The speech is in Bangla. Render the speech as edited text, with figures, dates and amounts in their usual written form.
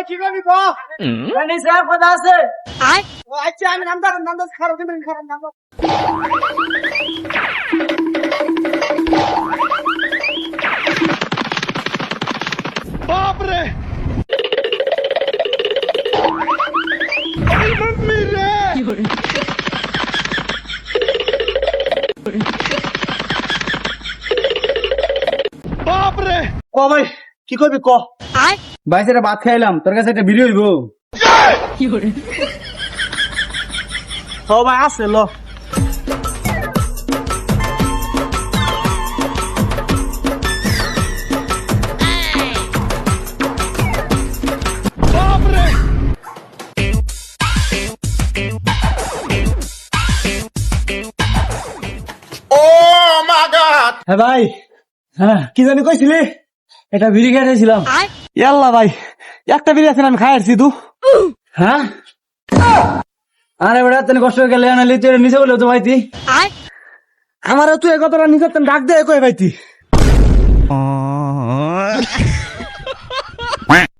কি করবি ক জানিস স্যার কথা আছে আচ্ছা আমি নাম খারাপ দিবেন খারাপ নাম বাপ রে এই মাম্মি রে বাপ রে ক ভাই কি করবি ক ভাই সেটা ভাত খাইলাম, তোর কাছে একটা ভিডিও হইব? ও ভাই আছে ল হ্যাঁ ভাই, হ্যাঁ কি জানি কইছিলি? এটা বিড়ি খাইছিলাম। ইয়াল্লা ভাই একটা বিড়ি আছে আমি খাই আসছি তু হ্যাঁ আরে বেটা তুমি কষ্ট করে গেলে আনালি তুই নিচে বলে তো ভাইতি আমার তুই এ কথাটা নিজের ডাক দে কই ভাইতি